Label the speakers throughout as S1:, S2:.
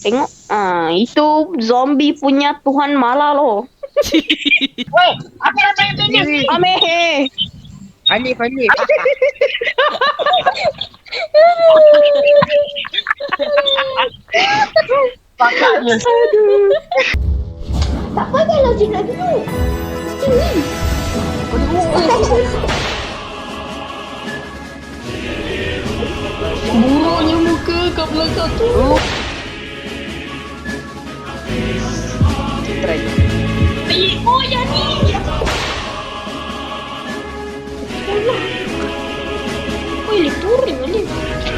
S1: Tengok. Itu zombie punya Tuhan Mala loh.
S2: Woi, apa nak tanya tanya ni?
S1: Ameh.
S3: Alif.
S2: Pakak je.
S1: Aduh.
S4: Tak payahlah je nak duduk. Sini.
S1: Buruknya muka kat belakang tu. Try.
S4: Oh, yang ni. Oh, Alif turun Alif.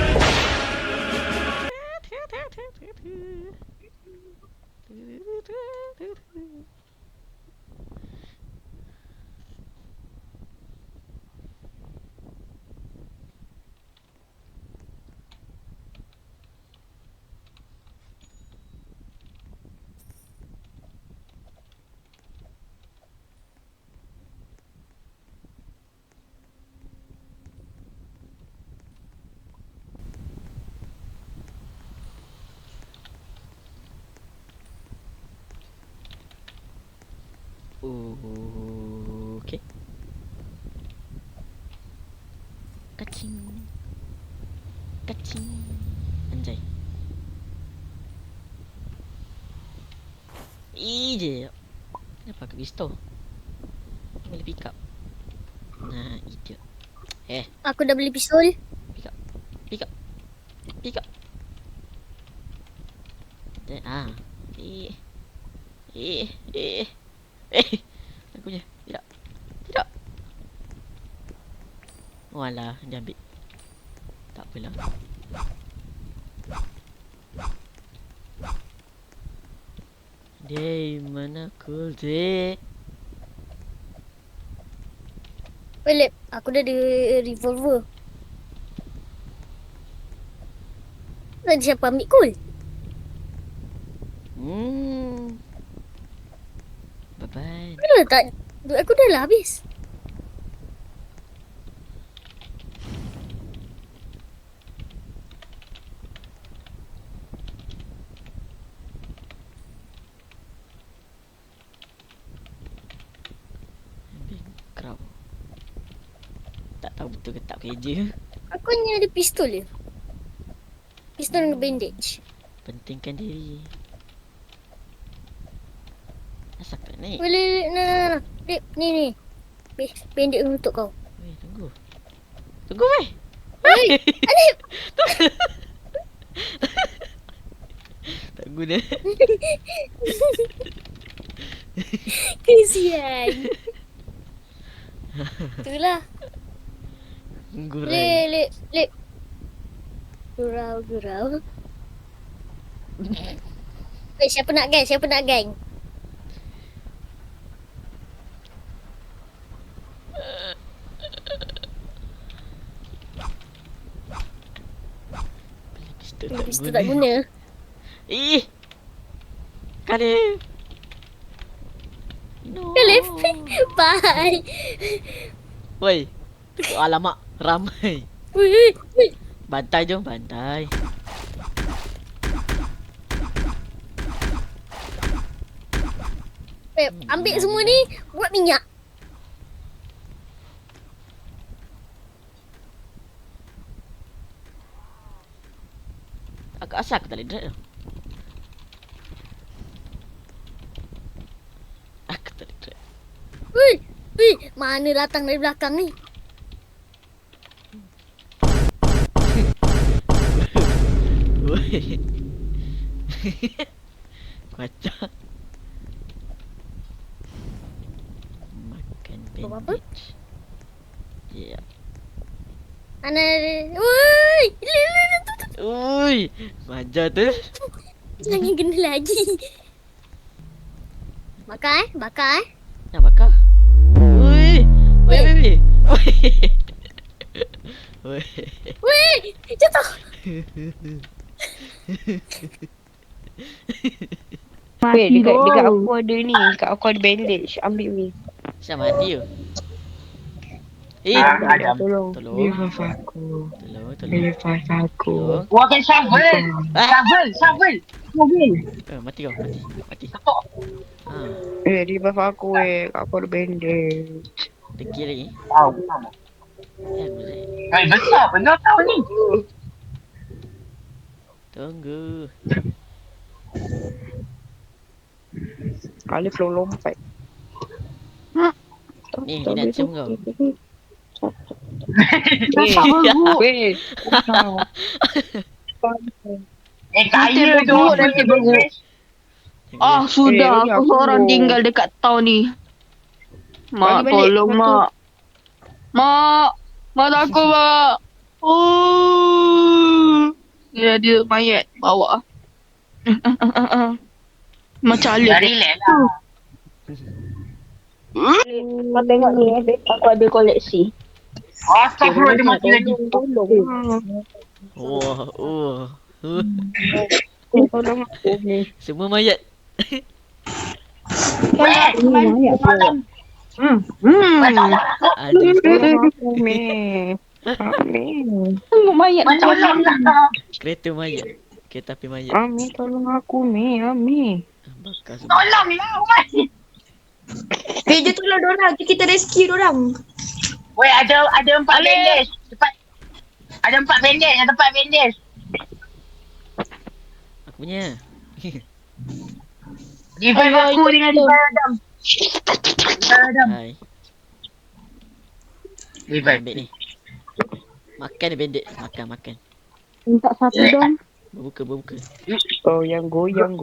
S5: Okay. Kacing. Anjay. Je. Kenapa aku pistol? Boleh pick up. Nah, idiot.
S4: Aku dah beli pistol.
S5: Pick up. Aku punya. Tidak. Walah, dia ambil. Tak apalah. Day, mana cool day?
S4: Alif, aku dah ada revolver. Tadi siapa ambil kul?
S5: Bye-bye.
S4: Kenapa tak? Duit aku dah lah habis.
S5: Crowd. Tak tahu betul ke tak kerja.
S4: Aku hanya ada pistol je. Pistol dengan bandage.
S5: Pentingkan diri. Asal tak naik?
S4: Boleh, nah. Lip, ni. Bandage untuk kau.
S5: Weh, tunggu weh.
S4: Hei, Alif.
S5: Tak guna.
S4: Kesian. Itulah.
S5: Gurai.
S4: Lip. Gurau. Siapa nak gang? Pistol tak guna.
S5: Kalif. No.
S4: Alif. Bye.
S5: Woi. Alamak, ramai.
S4: Wait.
S5: Bantai jom, bantai.
S4: Ambil semua ni, buat minyak.
S5: Asal aku tak boleh drag tu? Aku tak boleh drag.
S4: Wih, mana datang dari belakang ni?
S5: Woi. Kacau. Makan
S4: Apa?
S5: bandage. Ya.
S4: Mana? Woi,
S5: Ui, manja tu.
S4: jangan kena lagi. Bakar.
S5: Nak bakar. Ui. Woi.
S4: Woi, jatuh.
S1: Weh, dekat aku ada ni. Dekat aku ada bandage. Ambil ni.
S5: Siapa mati tu?
S2: Adam.
S5: Tolong.
S3: Revive aku.
S5: Tolong.
S3: Revive aku.
S5: Tolong.
S2: Wah, kan shovel.
S5: Ah.
S2: Shovel. Mobil.
S5: Mati kau. Mati.
S2: Ketuk.
S5: Ah,
S3: Revive aku aku ada bandage.
S5: degil lagi.
S2: Tahu. Tahu.
S5: Ya, boleh.
S2: Besar pun kau tahu ni.
S5: Tunggu.
S3: Alif lompat.
S5: Ni, dia nak cium kau.
S3: Weh.
S2: Kaya tu.
S1: nanti berut. Ah, sudah.
S3: Eh,
S1: Aku
S3: aku-
S1: seorang tinggal dekat town ni. Mak,
S3: Balik,
S1: tolong,
S3: satu.
S1: Mak. Mak. Mak takut, Mak. Oh. Dia mayat bawa. Macam
S2: Dah
S1: Alif.
S2: relax lah.
S1: Kau tengok ni, aku ada koleksi.
S2: Astagfirullah, dia mati lagi.
S5: Oh.
S3: Tolong aku ni.
S5: Semua mayat.
S2: Weh,
S1: Hmm.
S5: Aduh.
S3: Tolong aku ni. Ami.
S1: Tengok mayat.
S2: tolong lah.
S5: Kereta mayat. Kereta api mayat.
S3: Ami tolong aku ni. Ami.
S5: Bakar semua.
S2: Tolong lah, weh.
S4: Dia tolong dorang. Kita rescue dorang.
S2: Weh, ada 4 bandage. Cepat. Ada 4 bandage, ada 4 bandage.
S5: Aku punya.
S2: Revive aku dengan revive Adam. Adam.
S5: Hai.
S2: Revive.
S5: Ambil ni. Makan dia bandit. Makan.
S1: Minta satu dong.
S5: Berbuka.
S3: Oh yang goyang.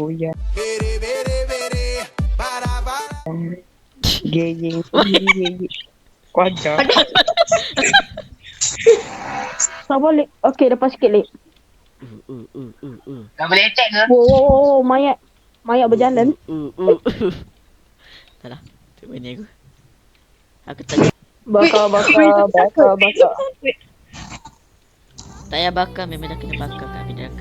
S3: Geyeng sendiri. Wajar.
S1: Tak boleh. Okey, lepas sikit, Lip.
S2: Dah boleh attack ke?
S1: Wow, mayat. Mayat berjalan.
S5: Tak lah. Tu main aku. Aku tak
S1: Bakar.
S5: tak payah bakar. Memang dah kena bakar kat api neraka.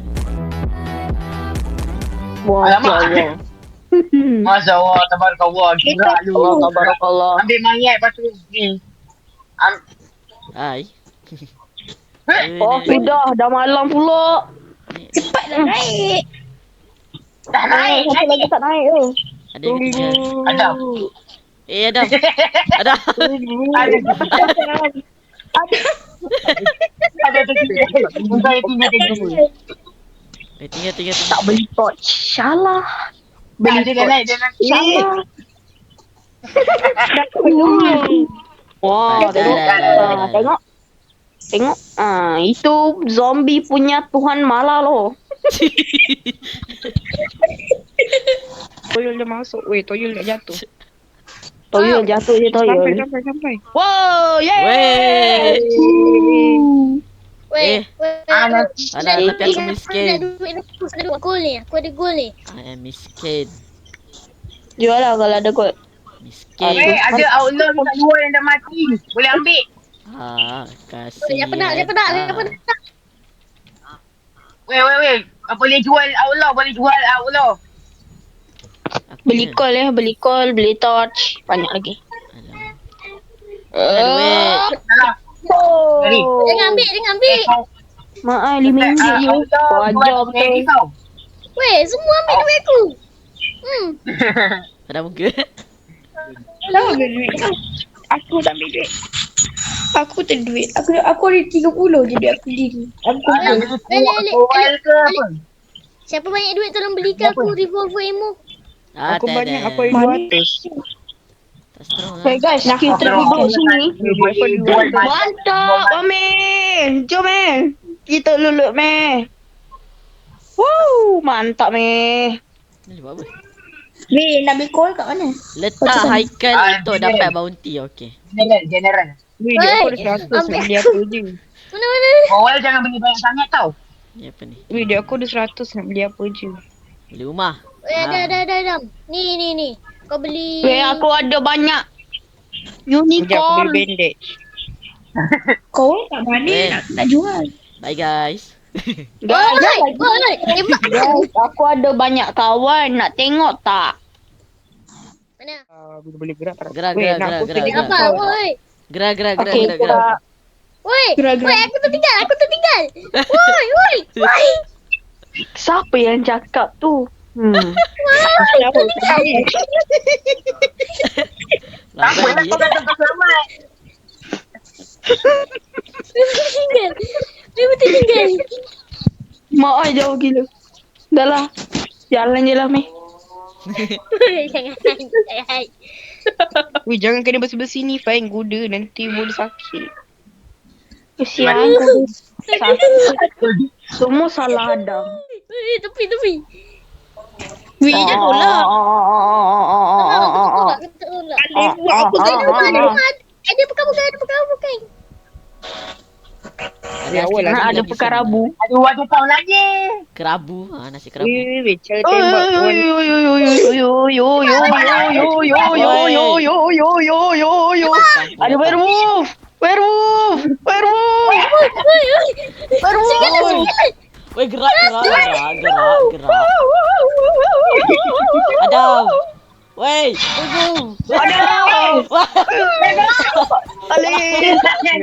S1: Wah,
S2: Alamak.
S1: Allah.
S2: Masya Allah, tabarakallah. Gerak lu.
S1: Allah, tabarakallah.
S2: Ambil mayat, lepas tu ni.
S5: Hai.
S1: Oh, sudah. Dah malam pula.
S4: Cepat dah naik.
S2: Dah naik
S1: Satu lagi
S2: lagi.
S1: tak naik tu.
S5: Ada yang tinggal.
S2: Adam.
S5: Adam. Adam.
S2: Ada tinggal.
S5: Tinggal.
S1: Tak beli torch. Salah.
S2: Tak, dia dah naik.
S1: Salah. Wah,
S5: Dah,
S1: tengok.
S5: dah.
S1: Tengok. Itu zombie punya Tuhan Mala loh.
S3: Toyol dia masuk. Weh, Toyol dah jatuh.
S1: Toyol jatuh je Toyol.
S3: Sampai.
S1: Wow,
S5: Weh.
S4: Weh.
S5: Alah, tapi aku miskin.
S4: Aku ada gol ni.
S5: I am miskin.
S1: Jual lah kalau ada kot.
S5: Miskin.
S2: Weh, ada outlaw dekat luar yang dah mati. Boleh ambil.
S5: Kasih.
S4: Dia penat.
S2: Weh. Boleh jual outlaw.
S1: Beli call, beli torch. Banyak lagi.
S5: Aduh, weh.
S2: Salah. Dari.
S4: Dia ngambil.
S1: Mak RM5 je. Kau ajar betul.
S4: Weh, semua ambil duit aku.
S5: Ada muka.
S3: Tahu ambil duit. Aku tak ambil duit. Aku tak ada duit. Aku ada 30 je duit aku diri.
S2: Jual ke apa?
S4: Siapa banyak duit tolong belikan aku revolver ammo.
S3: Aku
S5: tak
S3: banyak.
S5: ada.
S3: Aku ada 200.
S5: Tak strong
S1: Okay
S5: lah.
S1: guys, kita duduk sini.
S2: Jual
S1: Mantap, Ame. Jom, kita lulut, me. Mantap, me.
S5: Ni buat apa?
S4: Weh, nak ambil call kat mana?
S5: Letak Haikal untuk dapat bounty. Okay.
S2: General.
S3: Weh, dia aku ada 100 nak beli apa je.
S4: Mana?
S2: Awal jangan beli banyak sangat tau.
S5: Ni apa ni?
S3: Weh, dia aku ada 100 nak beli apa je.
S5: Beli rumah.
S4: Weh, ada. Ni. Kau beli.
S1: Weh, aku ada banyak.
S3: Sekejap aku
S1: Unicorn.
S3: beli bandage.
S4: Kau kat mana
S5: Eh.
S4: nak jual?
S5: Bye guys.
S1: Guys,
S4: Oi, tembak.
S1: guys, aku ada banyak kawan. Nak tengok tak?
S4: Mana?
S3: Bila boleh gerak tak?
S5: Gerak,
S3: Weh,
S5: gerak,
S3: nak aku
S5: gerak,
S3: pergi
S5: gerak.
S4: Apa?
S3: kau.
S4: Oi.
S5: Gerak.
S1: Okey, gerak.
S4: Woi,
S3: Gerak-gerak.
S4: woi, aku tertinggal. Woi.
S1: Siapa yang cakap tu?
S3: Kenapa?
S2: Tak apa lah kau kata kau selamat.
S4: Dia tertinggal.
S1: Mak ai jauh gila. Dah lah. Jalan je lah, Meh.
S4: Jangan.
S3: Weh, jangan kena bersih-bersih ni, Fain. Kuda nanti boleh sakit.
S1: Kesian aku. Sakit. Semua salah Adam.
S4: Tepi.
S3: Weh, jangan tolak.
S4: Aku tolak.
S3: Aku tak tolak.
S4: Ada bukan.
S3: Ya, awal lah.
S1: Ada pekarabu.
S2: Aduh, ada tahu lagi.
S5: Kerabu. Nasi kerabu.
S3: Weh, cara tembak kawan.
S1: Ada werewolf.
S5: Weh, gerak. Adam. Weh.
S1: Adam. Alih.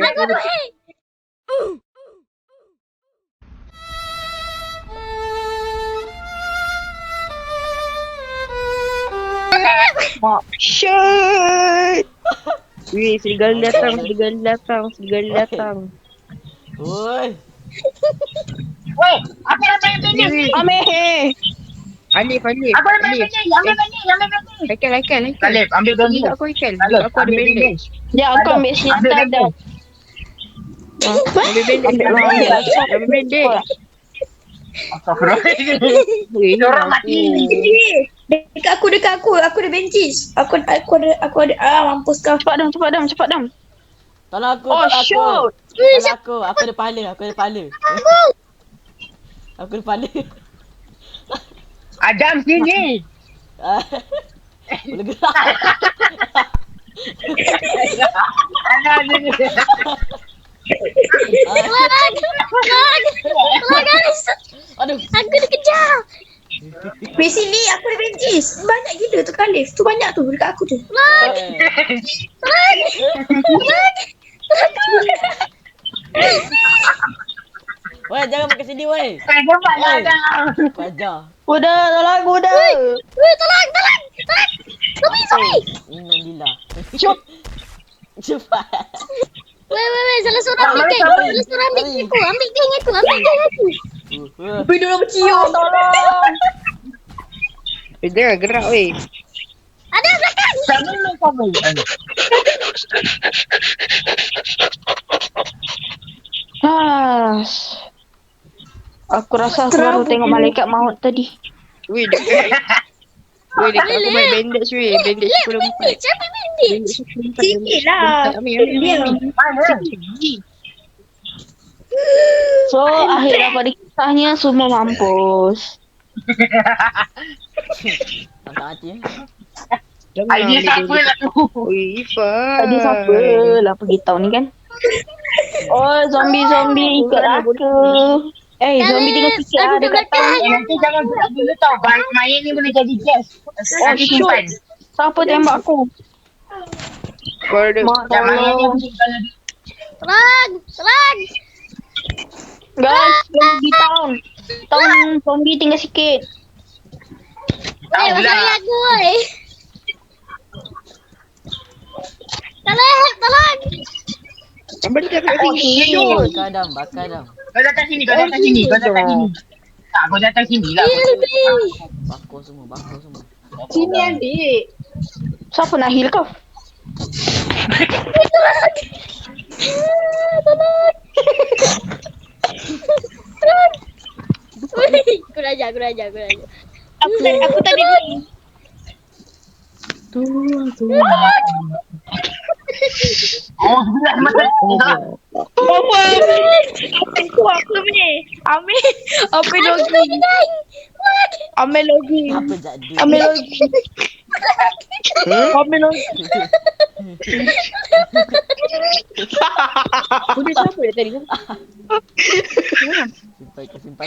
S3: Shit. Weh, serigala datang.
S5: Woi.
S2: Weh, apa nak main pendek?
S1: Ameh.
S3: Alif.
S2: Apa nak main pendek? Ambil pendek.
S3: Haikal.
S2: Alif, ambil
S3: Bagi
S2: pendek.
S3: aku Haikal.
S2: Alif,
S3: Aku ada bandage.
S1: Ya, aku ambil senjata Adam.
S3: Ambil bandage. Ambil bandage.
S2: Astagfirullahaladzim.
S3: Weh,
S2: Orang mati.
S3: Dekat aku. Aku ada benches. Aku ada. Mampus kau.
S1: Cepat Dam.
S5: Tolong aku.
S1: Oh,
S5: Tolong
S1: shoot.
S5: aku. Aku ada pahala. Aku ada pahala.
S2: Adam sini.
S5: Boleh gerak.
S2: Adam sini.
S4: Guys.
S5: Aduh.
S4: Aku dikejar.
S3: Weh, sini aku ada benches. Banyak gila tu Khalif. Tu banyak tu dekat aku tu.
S5: Weh, jangan pakai sini weh.
S2: Kau cepat lah Adam.
S5: Fajar.
S1: Udah, tolong aku dah.
S4: Woi, tolong. Sorry.
S5: Innalillah.
S1: Cuk.
S5: Cepat.
S4: Woi, salah seorang ambil geng aku. Ambil geng aku.
S3: Weh, dia orang bercium.
S1: Tolong.
S3: Weh, jangan gerak weh.
S4: Ada belakang.
S2: Kamu.
S1: Aku rasa aku baru tengok malaikat maut tadi.
S3: Weh, dekat aku main bandage weh. Bandage
S4: Ambil
S3: 14.
S4: bandage.
S3: Sikit lah. Ambil.
S1: So, akhir daripada kisahnya semua mampus.
S5: Tantang hati
S2: Idea siapa lah tu?
S3: Weh, Ifa.
S1: Tadi siapa lah pergi tahu ni kan? Oh, zombie ikut aku. Zombie tengah fikir
S4: Aduh,
S1: ada kat
S4: belakang.
S1: tahu.
S2: Nanti jangan gerak dulu tau. Main ni boleh jadi gas. Nanti
S1: shoot.
S2: simpan.
S1: Siapa tembak aku?
S3: Kau ada.
S1: Mak
S2: Yang main ni
S1: tolong.
S2: mungkin kalau
S4: Tolong.
S1: Guys, pergi town. Town zombie tinggal sikit.
S2: tahu
S4: Woi,
S2: lah.
S4: masalah aku woi. Tolong.
S3: Abang dia kat
S2: Oh,
S3: sini.
S2: shoot.
S5: Bakar Adam.
S2: Kau datang sini. Tak, kau datang sini lah.
S5: Bakar semua.
S3: Sini adik.
S1: Siapa nak heal kau?
S4: Kurang ajar.
S3: Aku tadi ni.
S2: Oh, sebelah mata.
S3: Apa? Aku ni. Ambil lagi. Ambil lagi.
S5: Apa jadi?
S3: Ambil lagi. Ambil lagi. Kuda siapa dia tadi?
S5: Simpai.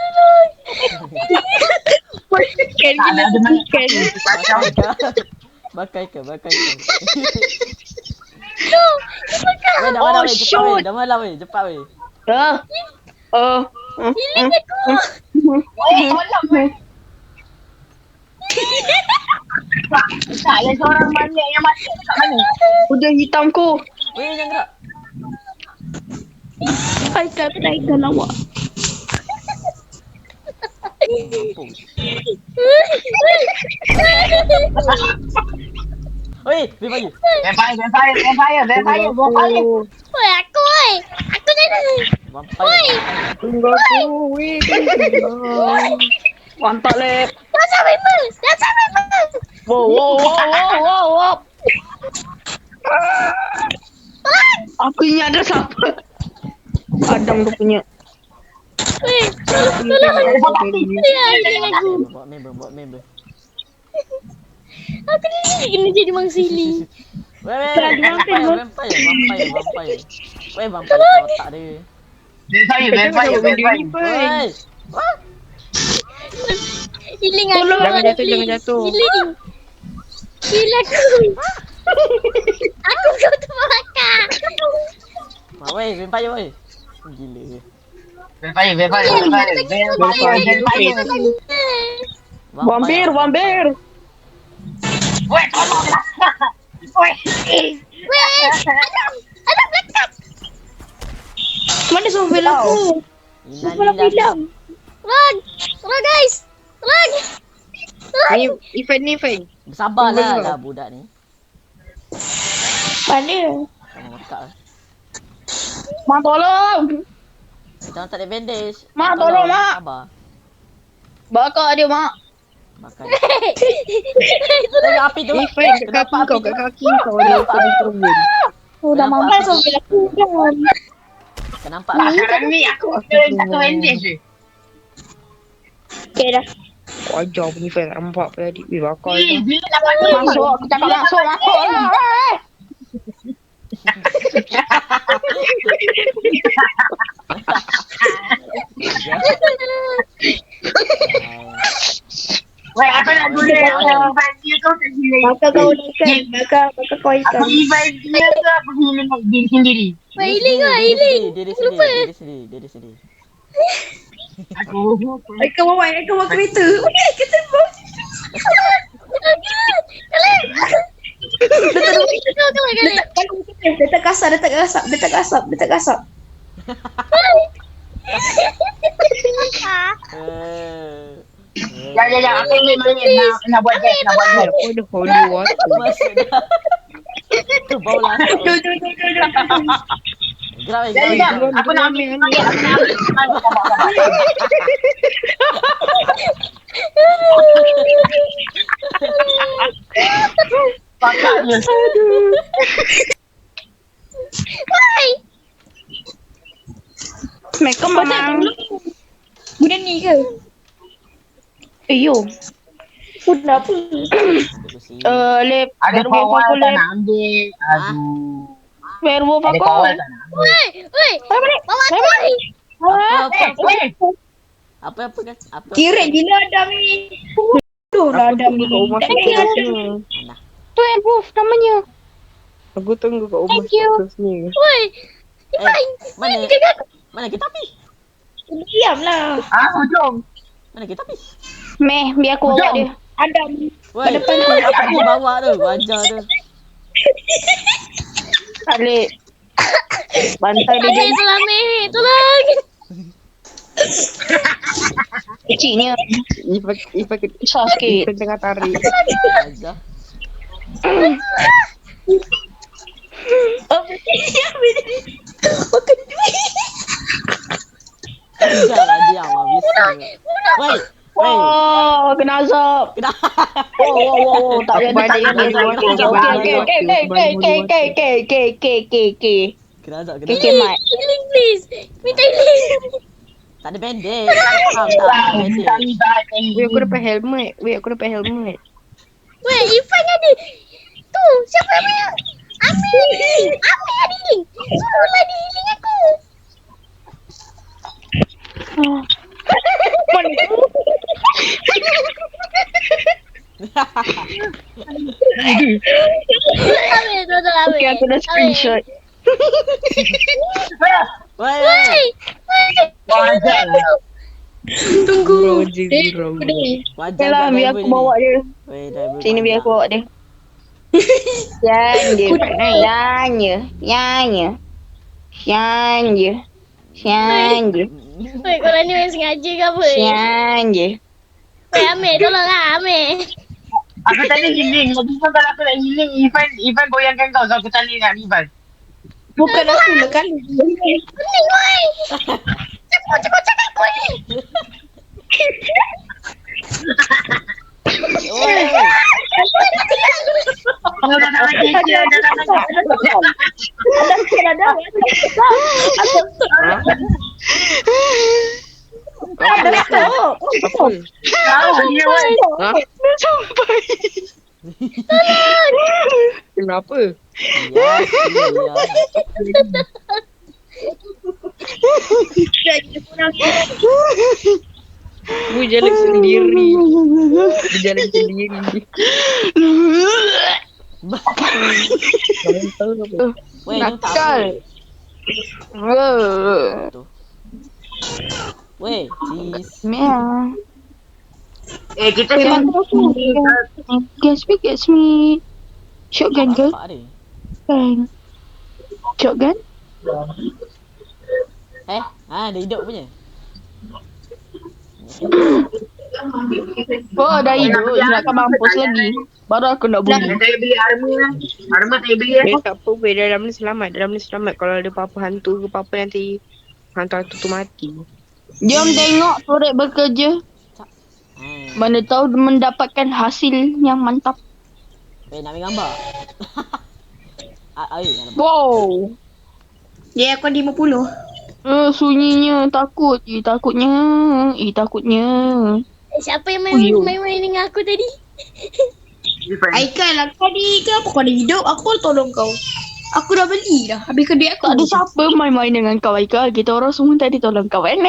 S3: Kan gila tu kan.
S2: Macam
S5: Bakai ke, bakai ke.
S4: No.
S5: Weh, dah malam weh, cepat weh. Dah malam weh, cepat weh.
S4: Healing aku.
S2: Tolong weh. Tak, yang seorang mana yang mati dekat mana?
S1: Kuda hitamku.
S5: Weh, jangan gerak.
S3: Haikal kenaikan awak.
S5: Mampus. Weh, vampire.
S2: Vampire.
S4: Woi, aku woi. Aku jadi.
S5: Vampire.
S1: Tunggu aku. Weh, mantap lep.
S4: Dasar member.
S1: Wow. Aku ingat ada siapa. Adam tu punya.
S4: Woi, tolong. Ya, healing aku.
S5: Buat member.
S4: Aku ni kena jadi mangsili.
S5: Weh, vampire. Weh, vampire otak dia.
S2: Vampire.
S5: Weh.
S4: Healing aku.
S1: Jangan jatuh.
S4: Healing. Heal aku. Aku kau terbakar.
S5: Weh, vampire weh. Gila.
S2: Vampire.
S1: Vampir.
S2: Weh, tolonglah. Weh.
S4: Weh, ada belakang.
S3: Mana sovel aku? Sovel aku hilang.
S4: Run guys. Run.
S1: Ni event.
S5: Bersabarlah budak ni.
S3: Mana?
S5: Tengok makak lah.
S1: Mak tolong.
S5: Jangan tak ada bandage.
S1: Mak, tolong, Mak.
S5: Sabar.
S1: Bakar dia mak.
S5: Makan. Tengok api tu.
S1: Event kat kaki kau dia turun.
S3: Oh, dah mampai sovel aku kan.
S5: Kenampak
S2: Tak,
S5: api?
S2: sekarang ni aku kena satu bandage je.
S3: Okay dah.
S1: Wajar punya event nampak pada adik. Weh, bakar
S2: Eh,
S1: dia.
S2: bila nak masuk?
S1: Masuk, aku cakap masuk lah.
S2: Weh, aku nak guna event dia tu tak gila.
S3: Bakar kau ikan. Bakar kau ikan.
S2: Aku event dia tu aku gila diri sendiri.
S4: Weh, healing lah, healing.
S5: Dia sedih.
S2: Aku
S3: Ikan bawa kereta. Ikan terbang. Letak kasap.
S2: Ya, aku ambil main nak buat gas.
S1: Apa dah holy water.
S5: Masuk dah. Tu bau lah. Gerak weh, gerak weh.
S2: Aku nak ambil main. Pakaknya.
S1: Mereka memang.
S3: Guna ni ke?
S1: Yo.
S3: Sudah apa?
S1: Lep.
S2: Ada
S1: werewolf
S2: kawal
S1: aku
S2: tak
S1: lep.
S2: nak ambil. Aduh.
S1: Werewolf
S2: Ada
S1: aku.
S2: kawal tak nak ambil.
S4: Weh, bawa aku weh.
S5: Apa kan? Apa?
S3: Kirek gila Adam ni. Bodoh lah Adam ni.
S5: Nah.
S1: Tu werewolf namanya.
S6: Aku tunggu kat rumah
S1: Thank you.
S6: seterusnya.
S4: Weh,
S5: Mana kita api?
S3: Diam lah.
S2: Hujung.
S5: Mana kita api?
S1: Meh, biar aku bawa dia.
S3: Adam.
S5: Woi, apa aku bawa tu? Wajar tu.
S1: Alik. Bantai dia
S4: Meh, tolong Meh, tolong.
S1: kecilnya.
S6: Ifah
S1: Besar sikit.
S6: tengah tarik.
S5: Wajar.
S3: Makan duit.
S5: Jangan diam habis. Woi.
S1: Oh, kena azab.
S5: Kenapa?
S1: Oh, tak
S6: Aku
S1: ada
S6: balik
S1: tak
S6: dulu,
S1: ada.
S6: aku balik
S1: Okay.
S5: Kena azab, kena
S1: Okay,
S5: azab.
S1: Mat.
S4: Healing please. Minta healing.
S5: Tak ada bandage. Faham tak? Tak ada bandage.
S6: Weh, aku dapat helmet.
S4: Weh, Ifan ada. Tu, siapa ambil? Ambil healing. Suruhlah dia healing aku.
S1: Mana?
S4: Ambil, tolong ambil.
S1: Okay, aku dah screenshot.
S5: Woi.
S2: Wajar lah.
S3: Tunggu.
S6: Roger, Roger.
S3: Kedai.
S5: Wajar
S1: Okay lah,
S5: kat
S1: biar
S5: driver
S1: aku
S5: ni.
S1: bawa dia.
S5: Weh, driver
S1: Sini biar aku bawa dia. Sian je. Sian je. Sian je. Sian je. Sian je.
S4: Weh, korang ni memang sengaja ke apa?
S1: Sian je.
S4: Weh, ambil, tolonglah ambil.
S2: Aku tadi healing. Lepas tu kalau aku nak healing, Ivan goyangkan kau. So aku tali dengan Ivan.
S3: Bukan aku lah kan.
S4: Pening, weh. Cepat cakap aku ni.
S5: Woi.
S2: Kau dah nak mati. Dah nak mati.
S6: Apa?
S2: Tahu dia weh.
S6: Ha? Kenapa?
S5: Ya, ya.
S6: Gue jalan sendiri. Dia jalan sendiri.
S5: Weh, ni tak
S1: Nakal.
S5: apa. Weh, cheese.
S1: Meow.
S2: Kita
S1: Memang Get me. Shotgun ke?
S5: Bapak dia.
S1: Kan. Shotgun?
S5: Dia hidup punya.
S1: Oh, dah hidup. Ingatkan mampus lagi. Baru aku nak bunyi.
S2: Saya beli armor. Armor saya beli.
S6: Tak apa, weh. Dalam ni selamat. Dalam ni selamat. Kalau ada apa-apa hantu ke apa-apa nanti hantu-hantu tu mati.
S1: Jom tengok turret bekerja. Mana tahu mendapatkan hasil yang mantap.
S5: Weh, nak ambil gambar. Air, nak
S1: Wow.
S3: Ya, aku ada 50.
S1: Sunyinya. Takut. Takutnya. Takutnya.
S4: Siapa yang
S1: Uyuh.
S4: main-main dengan aku tadi?
S3: Aikal, aku tadi kenapa kau ada hidup? Aku baru tolong kau. Aku dah beli dah. Habis kedai aku.
S1: Tak ada siapa main-main dengan kau, Aika. Kita orang semua tadi tolong kau. Nen.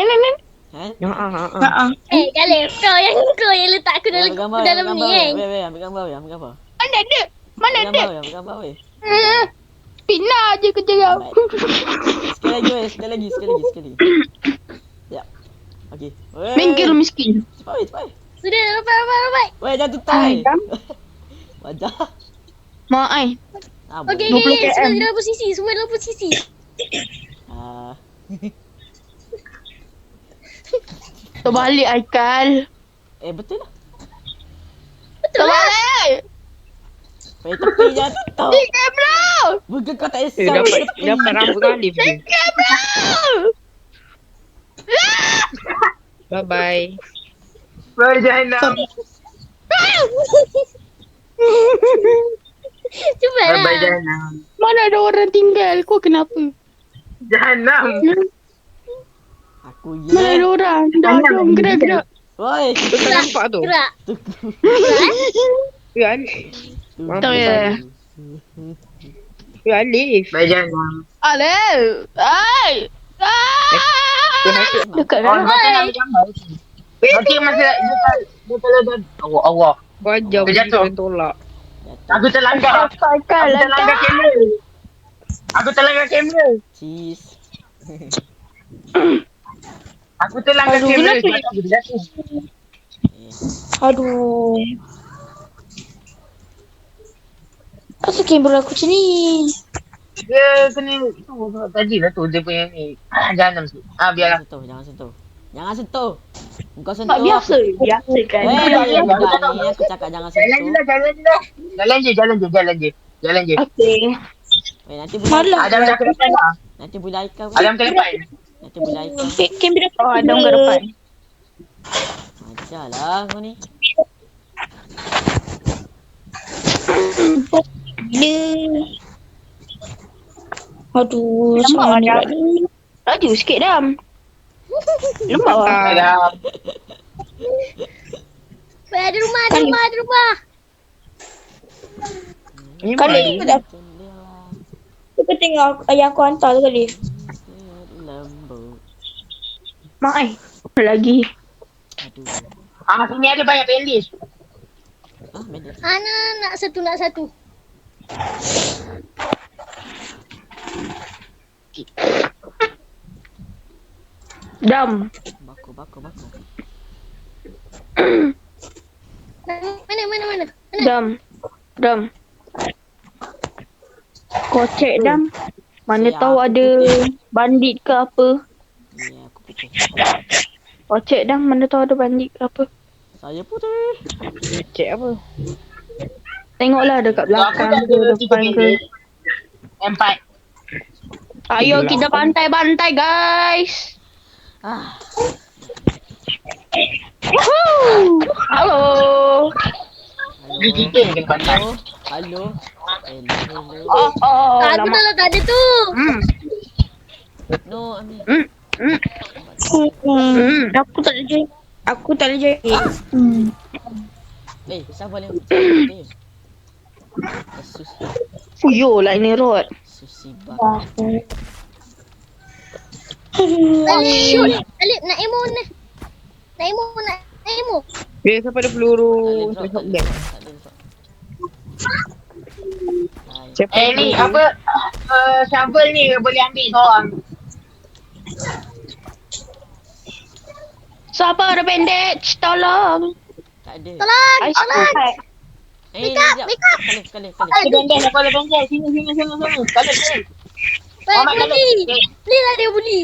S4: Kalif, kau yang letak aku dalam ni kan?
S5: Weh, ambil gambar, weh. Ambil gambar.
S1: Mana ada? Mana
S5: Ambil
S1: ada?
S5: gambar, weh. Ambil gambar, weh.
S1: Pina je kerja kau.
S5: Sekali lagi, weh. Sekali. Ya. Okey. Weh.
S1: Minggir miskin.
S5: Cepat, weh. Cepat, weh.
S4: Sudah, rapat.
S5: Weh, jangan tutup, weh. Wajah.
S1: Mak ai.
S4: Okey,
S1: 20
S4: semua
S1: km.
S4: dalam posisi.
S1: Terbalik Aikal.
S5: Betul lah.
S1: Terbalik.
S5: Weh, tepi jangan tutup.
S1: Di kamera.
S5: Bukan kau tak
S6: Eh,
S5: esok.
S6: dapat rambut Alif ni.
S1: Kamera.
S6: Bye-bye.
S2: Bye, Jahanam.
S4: Cepatlah.
S2: Bye, Jahanam.
S1: Mana ada orang tinggal? Kau kenapa?
S2: Jahanam.
S5: Aku
S1: Mana ada
S5: ya.
S1: orang? Dah jom gerak.
S5: Woi.
S6: Tu tak nampak tu.
S4: Gerak.
S6: Ya, Alif.
S1: Tak ya.
S6: Ya, Alif.
S2: Bye, Jahanam.
S1: Alif. Ai. Dekat
S2: Oh,
S1: dalam.
S2: macam nak ambil gambar. Nanti masa dia kalau dah Allah.
S6: Wajah
S2: Dia jatuh.
S6: dia tolak.
S2: Aku terlanggar.
S1: Aikal.
S2: Aku terlanggar kamera. Aku terlanggar kamera.
S5: Cheese.
S2: Aku terlanggar
S1: Aduh,
S2: kamera.
S1: kenapa?
S2: Dia jatuh.
S3: Aduh. Kenapa kamera aku macam ni?
S2: Dia kena tu tadi lah tu dia punya ni. Jahanam tu. Biarlah.
S5: Jangan sentuh. Kau sentuh.
S1: Tak biasa. Biasa kan.
S5: Weh, budak ni aku cakap jangan
S2: Jalan je
S5: sentuh.
S2: lah, jalan je lah. Jalan je.
S1: Okay.
S5: Weh, nanti boleh
S2: Adam dah ke depan lah.
S5: Nanti boleh Aika.
S2: Adam ke depan.
S5: Nanti boleh Aika.
S3: Kamera
S1: Oh, Adam ke depan.
S5: Ajarlah kau ni.
S3: Aduh,
S1: Nampak
S3: macam mana
S1: Adam? Laju sikit Dam. Nampak lah.
S2: Adam.
S4: Weh, ada rumah.
S6: Ni
S3: Kali
S6: baru.
S3: aku dah Aku tengok ayah aku hantar tu kali.
S5: Lembu.
S1: Mak ai. Lagi.
S5: Aduh.
S2: Sini ada banyak playlist.
S5: Ah, bandit.
S4: Ana nak satu.
S1: Dam.
S5: Baku.
S4: Mana?
S1: Dam. Kau cek Dam. Mana
S5: Siap,
S1: tahu
S5: aku
S1: ada bandit ke apa.
S5: Ya, aku putih.
S1: Kau cek Dam, mana tahu ada bandit ke apa.
S5: Saya putih.
S6: Cek apa?
S1: Tengoklah dekat
S2: Aku
S1: belakang
S2: dah
S1: ke
S2: ada 3
S1: depan ke.
S2: pendek. 4.
S1: Ayo kita bantai-bantai guys.
S5: Ah,
S1: Woohoo! Halo.
S2: Dia kita yang kena pantai.
S5: Halo. Hello.
S1: Oh,
S4: Aku
S1: lama.
S4: dah tak ada tu.
S5: No, Ami.
S3: Aku tak boleh jahit.
S5: Siapa boleh putih?
S1: Fuyo lah ini rod.
S5: Susi bak.
S4: Alip, nak emo ni. Nak emo.
S6: Dia siapa ada peluru? Shotgun. Siapa
S2: Ni apa? Shovel ni boleh ambil seorang.
S1: Siapa ada bandage? Tolong.
S5: Tak ada.
S4: Tolong.
S5: Sekali.
S2: Ada bandage, aku ada bandage. Sini. Kali. Muhammad
S4: Buli. Buli lah dia buli.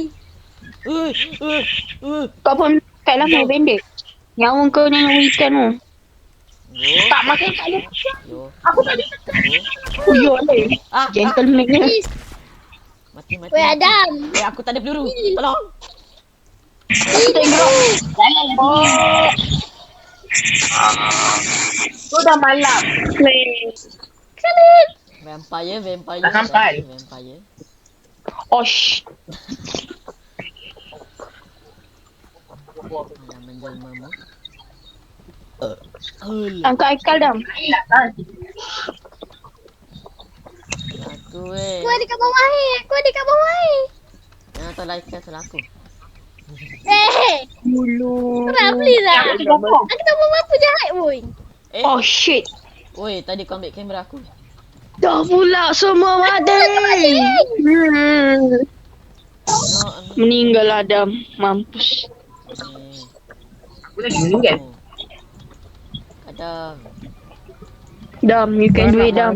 S1: Kau pun pakai lah main bandage. Yang kau ni yang weekend tu.
S2: tak makan tak ada.
S5: Yo.
S2: Aku tak ada.
S1: Fuyo lah. Gentleman ni.
S4: Please.
S5: Mati.
S4: Weh Adam.
S5: Aku tak ada peluru. Tolong.
S2: Jalan lagi. Tu dah malam.
S5: Vampire.
S2: Tak sampai.
S5: Vampire.
S1: Osh.
S5: Alah menjelmamu.
S1: Angkat Aikal Dam.
S5: Aku weh.
S4: Aku ada kat bawah.
S5: Jangan tahu like salah aku.
S4: Kenapa please lah. Aku tak buat apa jahat pun.
S1: Oh shit.
S5: Oi, tadi kau ambil kamera aku.
S1: Dah pula semua mati.
S5: No, Ami.
S1: Meninggal Adam. Mampus.
S2: Aku lagi meninggal.
S5: Kadang.
S1: Dam, you can do it Dam.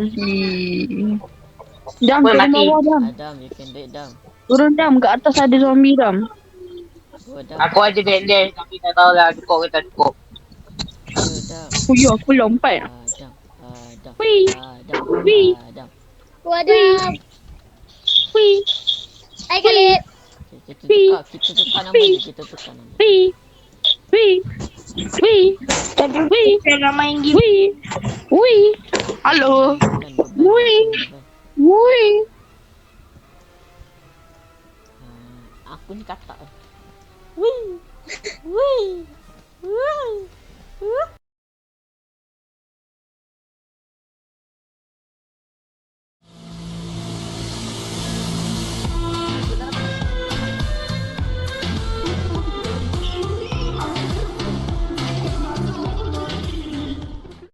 S1: Dam,
S2: Boleh
S1: turun
S2: mati.
S1: bawah Dam.
S5: Adam, you can do it, Dam.
S1: Turun Dam, kat atas ada zombie Dam.
S5: Go, Dam.
S2: Aku ada bandage tapi tak tahulah cukup ke tak cukup.
S5: Go, Dam.
S1: Fuyo, aku lompat.
S5: Adam.
S1: Wih.
S5: Adam.
S1: Wih.
S5: Adam.
S4: Aku Adam.
S1: Wih,
S4: Hai Kalib.
S5: Kita tukar nama dia.
S1: wih. Jangan main game. Wih. Halo. Wih.
S5: Aku ni katak. Wih.